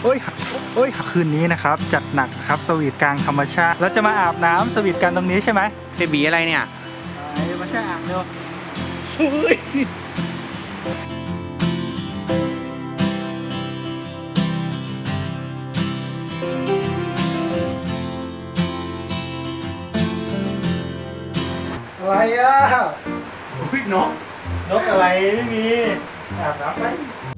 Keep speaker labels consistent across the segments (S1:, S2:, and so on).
S1: อ้ยโอ้ยคืนนี้นะครับจัดหนักครับสวีทกลางธรรมชาติเราจะมาอาบน้ำสวีทกันตรงนี้ใช่ไหม
S2: เบบีอะไรเนี่ย
S1: มาแช่อ่างเร็วอะไรอ่ะ
S2: อุ้ยนก
S1: นกอะไรไม่มีอาบน้ำไป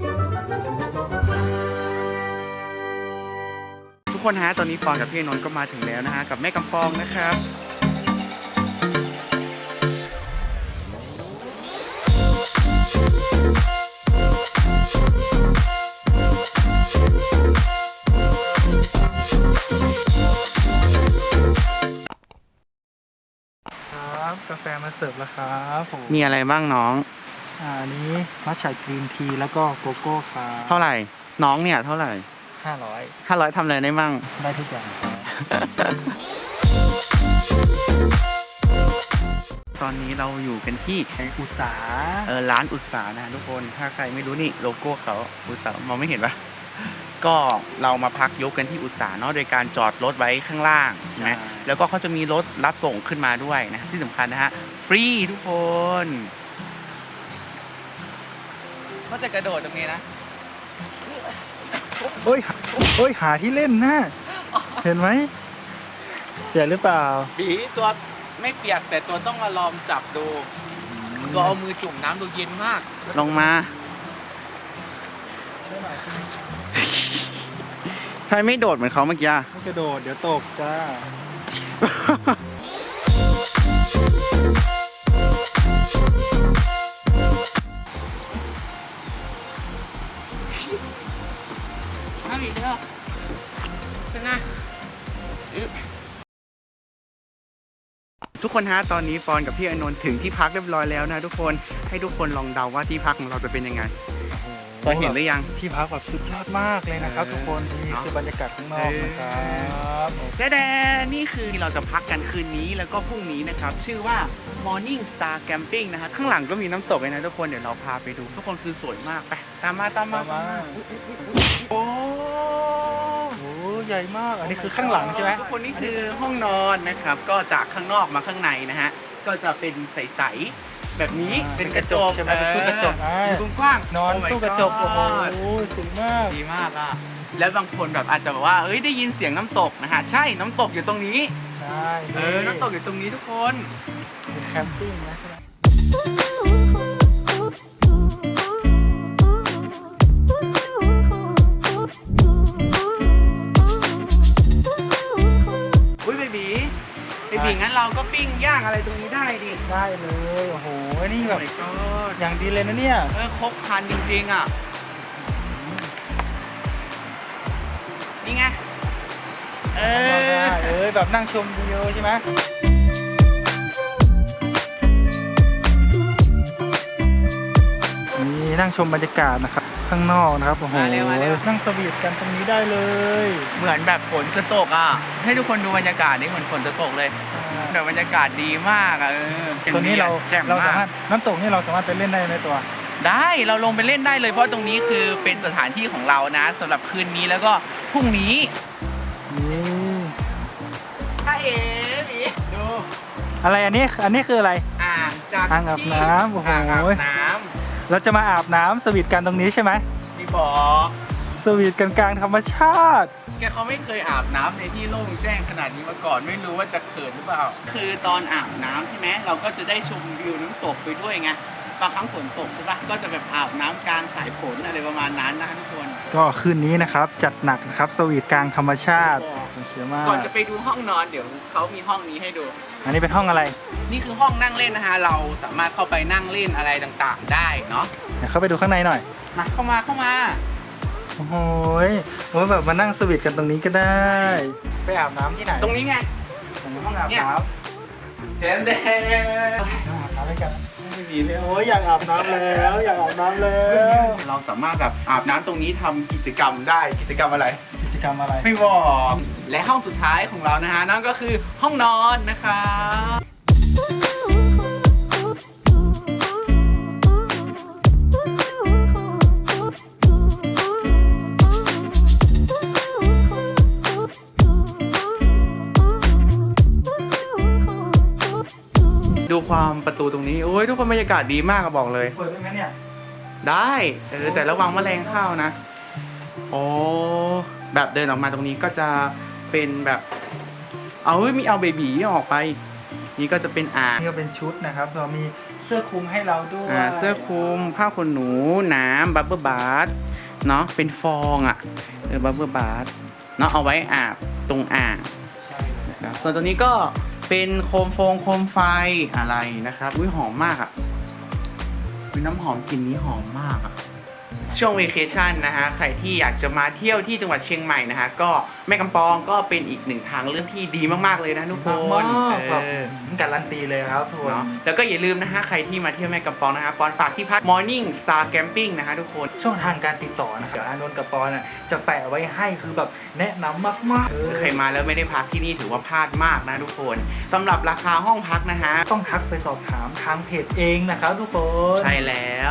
S2: ทุกคนฮะตอนนี้ปอนกับพี่นนท์ก็มาถึงแล้วนะฮะกับแม่กำปองนะครับ
S1: ครับกาแฟมาเสิร์ฟแล้วครับผม
S2: มีอะไรบ้างน้อง
S1: อันนี้มัทฉะกรีนทีแล้วก็โกโก้ครับ
S2: เท่าไหร่น้องเนี่ยเท่าไหร่
S1: 500
S2: 500ทำอะไรได้มั่ง
S1: ได้ทุกอย่างครับ
S2: ตอนนี้เราอยู่กันที่
S1: อุตสาห
S2: ร้านอุตสานะทุกคนถ้าใครไม่รู้นี่โลโก้เขาอุตสามองไม่เห็นปะก็เรามาพักยกกันที่อุตสาเนาะโดยการจอดรถไว้ข้างล่างใช่ไหมแล้วก็เขาจะมีรถรับส่งขึ้นมาด้วยนะที่สำคัญนะฮะฟรีทุกคนก็จะกระโดดตรงนี้นะ
S1: โอ้ยหาที่เล่นนะเห็นไหมเปียกหรือเปล่า
S3: ผีตัวไม่เปียกแต่ตัวต้องมาลองจับดูตัวเอามือจุ่มน้ำดูเย็นมาก
S2: ลงมาใครไม่โดดเหมือนเขาเมื่อกี้
S1: ไม่กระโดดเดี๋ยวตกจ้า
S3: น้ำอีกแล้วเป็นไง
S2: ทุกคนฮะตอนนี้ปอนกับพี่อนนท์ถึงที่พักเรียบร้อยแล้วนะทุกคนให้ทุกคนลองเดาว่าที่พักของเราจะเป็นยังไงพอเห็นหรือยัง
S1: ที่พักแบบสุดยอดมากเลยนะครับทุกคนนี่คือบรรยากาศข้างนอกนะครับ
S2: แดนี่คือที่เราจะพักกันคืนนี้แล้วก็พรุ่งนี้นะครับชื่อว่า Morning Star Camping นะฮะข้างหลังก็มีน้ำตกเลยนะทุกคนเดี๋ยวเราพาไปดูทุกคนคือสวยมากไปตามมาโอ้
S1: โอ้ใหญ่มากอันนี้คือข้างหลังใช่ไหม
S2: ทุกคนนี่คือห้องนอนนะครับก็จากข้างนอกมาข้างในนะฮะก็จะเป็นใสๆแบบนี้เป็นกระจก
S1: ใช่ไหมเป็นตู้กระจก
S2: ดูกว้าง
S1: นอน
S2: Oh my
S1: ตู้กระจก
S2: God
S1: โอ้โหสูงมาก
S2: ดีมากอ่ะแล้วบางคนแบบอาจจะแบบว่าเอ้ยได้ยินเสียงน้ำตกนะฮะใช่น้ำตกอยู่ตรงนี้
S1: ใช่
S2: น้ำตกอยู่ตรงนี้ทุกคน
S1: เป็นแคมปิ้งนะใช่ไหม
S2: อุ้ยเบบีงั้นเราก็ปิ้งย่างอะไรตรงนี้ได้ดิ
S1: ได้เลยโอ้โหนี่แบบ
S2: โอ้ my god
S1: อย่างดีเลยนะเนี่ย
S2: ครบครันจริงๆอ่ะนี่ไง
S1: แบบนั่งชมวิวใช่ไหมนี่นั่งชมบรรยากาศนะครับข้างนอกนะครับโอ้โหนั่งสวีทกันตรงนี้ได้เลย
S2: เหมือนแบบฝนจะตกอ่ะให้ทุกคนดูบรรยากาศนี่เหมือนฝนจะตกเลยแบบบรรยากาศดีมากอ่ะ
S1: ตัวนี้เรา
S2: แจ่ม
S1: สาม
S2: าร
S1: ถ
S2: ก
S1: น้ำตกนี่เราสามารถไปเล่นได้ไหมตัว
S2: ได้เราลงไปเล่นได้เลยเพราะตรงนี้คือเป็นสถานที่ของเรานะสำหรับคืนนี้แล้วก็พรุ่งนี้
S1: นี่
S2: ถ้าเอ๋ดู
S1: อะไรอันนี้คืออะไร
S2: อ่างจาก
S1: อ่างอาบน้ำโอ้โห
S2: อ่างอาบน้
S1: เราจะมาอาบน้ำสวีทกันตรงนี้ใช่ไหม
S2: ำที่บอก
S1: สวีทกันกลางธรรมชาติ
S2: แกเขาไม่เคยอาบน้ำในที่โล่งแจ้งขนาดนี้มาก่อนไม่รู้ว่าจะเขินหรือเปล่า คือตอนอาบน้ำใช่ไหมเราก็จะได้ชมวิวน้ำตกไปด้วยไงบางครั้งฝนตกใช่ปะก็จะแบบอาบน้ำกลางสายฝนอะไรประมาณนั้นนะทุกคน
S1: ก็คืนนี้นะครับจัดหนักนะครับสวีทกลางธรรมชาติเชื่อมาก
S2: ก่อนจะไปดูห้องนอนเดี๋ยวเขามีห้องนี้ให้ดู
S1: อันนี้เป็นห้องอะไร
S2: นี่คือห้องนั่งเล่นนะฮะเราสามารถเข้าไปนั่งเล่นอะไรต่างๆ ได้เนาะ
S1: เดี๋ยวเข้าไปดูข้างในหน่อย
S2: มาเข้ามา
S1: โอ้โหแบบมานั่งสวีทกันตรงนี้ก็ได้ ไปอาบน้ำที่ไหน
S2: ตรงนี้ไง
S1: ห้องอาบน้ำ
S2: เดม
S1: อาบน้ำด้วยกัน
S2: ไม่มีเลย
S1: โอ้ยอยากอาบน้ำแล้วอยากอาบน้ำแล้ว
S2: เราสามารถแบบอาบน้ำตรงนี้ทำกิจกรรมได้กิจกรรมอะไร
S1: กิจกรรมอะไร
S2: ไม่บอกและห้องสุดท้ายของเรานะฮะนั่นก็คือห้องนอนนะครับความประตูตรงนี้โอ้ยทุกคนบรรยากาศดีมากอะบอกเลย
S1: เปิดได้ไหมเนี่ย
S2: ได้แต่ระวังแมลงเข้านะโอ้แบบเดินออกมาตรงนี้ก็จะเป็นแบบมีเอาเบบีออกไปนี่ก็จะเป็นอ่าง
S1: นี่ก็เป็นชุดนะครับเรามีเสื้อคลุมให้เราด้วย
S2: เสื้อคลุมผ้าขนหนูน้ำบับเบิ้ลบาร์เนาะเป็นฟองอ่ะบับเบิ้ลบาร์เนาะเอาไว้อาบตรงอ่าง
S1: ใช่
S2: นะครับส่วนตัวนี้ก็เป็นโคมไฟอะไรนะครับอุ้ยหอมมากอ่ะมีน้ำหอมกลิ่นนี้หอมมากอ่ะช่วงเวเคชั่นนะฮะใครที่อยากจะมาเที่ยวที่จังหวัดเชียงใหม่นะฮะก็แม่กำปองก็เป็นอีกหนึ่งทางเลือกที่ดีมากๆเลยนะทุกค
S1: มาก
S2: น
S1: แบบการันตีเลยครับทุกคน
S2: เนาะแล้วก็อย่าลืมนะฮะใครที่มาเที่ยวแม่กำปองนะฮะปอนฝากที่พัก Morning Star Camping นะฮะทุกคน
S1: ช่องทางการติดต่อนะครับเดี๋ยวอานนท์กับปอนจะแปะไว้ให้คือแบบแนะนำมากๆ
S2: ใครมาแล้วไม่ได้พักที่นี่ถือว่าพลาดมากนะทุกคนสำหรับราคาห้องพักนะฮะ
S1: ต้องทักไปสอบถามทางเพจเองนะครับทุกคน
S2: ใช่แล้ว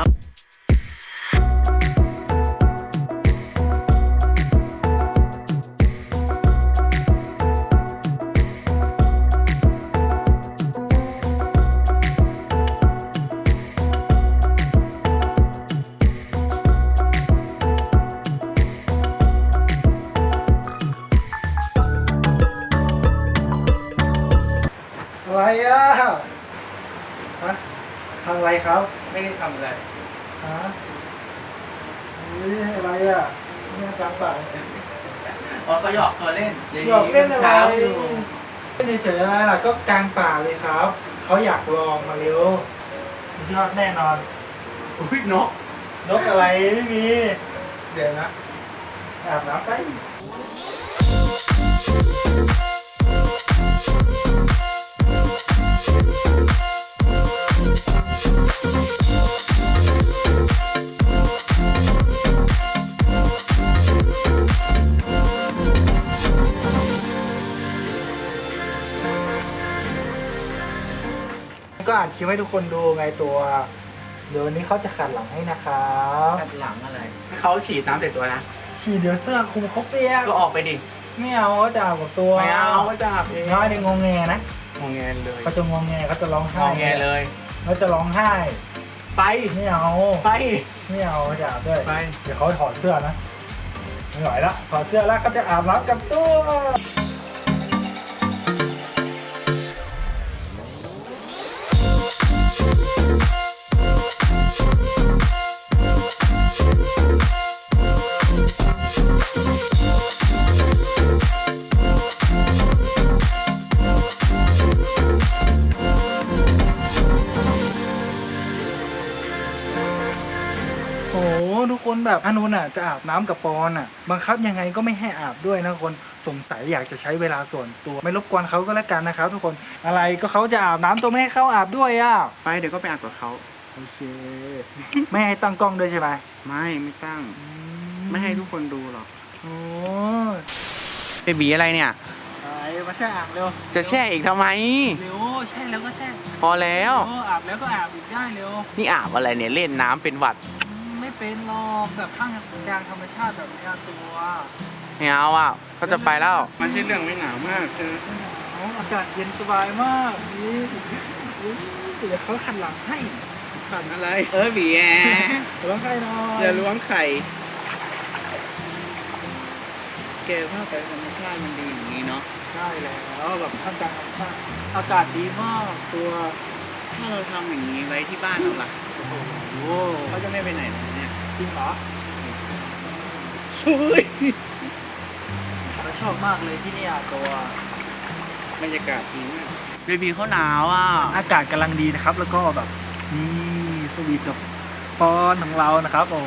S1: อะไรอ่ะฮะทำอะไรครับ
S2: ไม่ได้ทำอะไร
S1: ฮะนี่อะไรอ่ะเนี่ยกลางป่า
S2: อ๋อเขาหยอกตัวเล่น
S1: หยอกเล่นอะไร
S2: ช้าอยู่
S1: ไม่เฉยๆอะไรล่ะก็กลางป่าเลยครับเขาอยากลองมาเร็วสุดยอดแน่นอน
S2: อุ้ยนก
S1: นกอะไรไม่มี
S2: เดี๋ยวนะ
S1: อาบน้ำไป ก็อ่านคลิปให้ทุกคนดูไงตัว เดี๋ยววันนี้เขาจะขัดหลังให้นะครับ
S2: ขัดหลังอะไรเขาฉีดน้ำใส่ตัวนะ
S1: ฉีดเดี๋ยวเสื้อคลุมเขาเปียก
S2: ก็ออกไปดิ
S1: ไม่เอาเขาจะอาบกับตัว
S2: ไม่เอาก็จะอาบเอง
S1: น้อยเดี๋ยวงงแงนะ
S2: งอแงเลย
S1: เขาจะงงแงเขาจะร้อง
S2: ง
S1: ไห้
S2: อแงเลย
S1: เขาจะร้องไห้
S2: ไป
S1: ไม่เอา
S2: ไป
S1: ไม่เอาเขาจะอาบด้วย
S2: ไป
S1: เดี๋ยวเขาถอดเสื้อนะไม่ไหวละถอดเสื้อแล้วเขาจะอาบน้ำกับตัว โอ้โหทุกคนแบบอนุนจะอาบน้ำกับปอนบังคับยังไงก็ไม่ให้อาบด้วยนะคนสงสัยอยากจะใช้เวลาส่วนตัวไม่รบกวนเขาก็แล้วกันนะครับทุกคนอะไรก็เขาจะอาบน้ำตัวไม่ให้เขาอาบด้วย
S2: ไปเดี๋ยวก็ไปอาบกับเขา
S1: โอเค ไม่ให้ตั้งกล้องด้วยใช่ไหม
S2: ไม่ตั้ง ไม่ให้ทุกคนดูหรอก
S1: โอ้
S2: เบบีอะไรเนี่ย
S1: ไปมาแช่อ่างเร็ว
S2: จะแช่อีกทำไม
S1: เร็วแช่แล้วก็แช่
S2: พอแล้ว
S1: โอ้อาบแล้วก็อาบอีกได้เร็ว
S2: นี่อาบอะไรเนี่ยเล่นน้ำเป็นหวัด
S1: ไม่เป็นหรอกแบบข้างกลางธรรมชาติแบบนี้ตัว
S2: ไม่เอาอ่ะเขาจะไปแล้ว มันใช่เรื่องไม่หนาวมากเธอ
S1: อากาศเย็นสบายมากนี่เดี๋ยวเขาขันหลังให้
S2: ขันอะไร บีแอ
S1: ร้องไห้หน่อย
S2: อย่าล้วงไข่เกลภาพไปธรรมชาติมันดีอย่างนี้เนาะ
S1: ใช่แล้วแบบท่ามกลางธรรมชาติอากาศดีมากตัว
S2: ถ้าเราทำอย่างนี้ไว้ที่บ้านเราล่ะ
S1: โอ้โห
S2: เขาจะไม่ไปไหนเลยเนี่ย
S1: จริงเหรอ
S2: ช่วย
S1: เราชอบมากเลยที่นี่ตัว
S2: บรรยากาศดีมากเบบีเขาหนาวอ่ะ
S1: อากาศกำลังดีนะครับ แล้วก็แบบนี่สวีทกับปอนของเรานะครับโอ้